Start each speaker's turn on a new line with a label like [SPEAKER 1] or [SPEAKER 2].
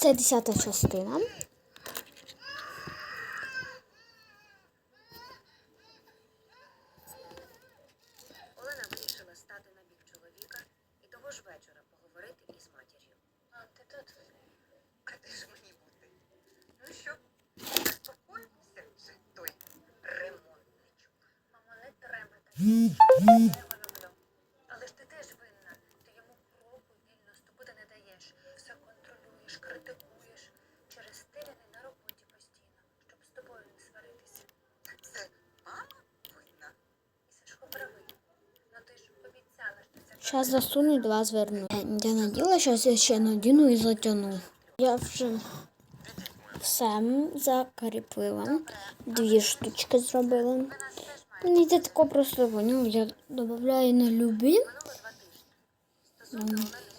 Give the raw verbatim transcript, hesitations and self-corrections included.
[SPEAKER 1] Це десята частина.
[SPEAKER 2] Олена вирішила стати на бік чоловіка і того ж вечора поговорити із матір'ю. А ти тут? А де ж мені бути? Ну що, заспокоївся вже той ремонтничок. Мамо, не треба так. Я його люблю. Але ж ти теж винна. Ти йому кроку вільності буде не даєш. Все контролюєш, критикуєш. Через те він і на роботі постійно, щоб з тобою не сваритися. Це мама винна? І Сашко правий. Ну ти ж обіцяла, що це...
[SPEAKER 1] Зараз засуну і два зверну. Я наділа, зараз я ще надіну і затягну. Я вже все закріпила. Дві штучки зробила. Мені це тако просто поняв. Я додаю на любі.
[SPEAKER 2] Минуло два тижні. Стосунки Олени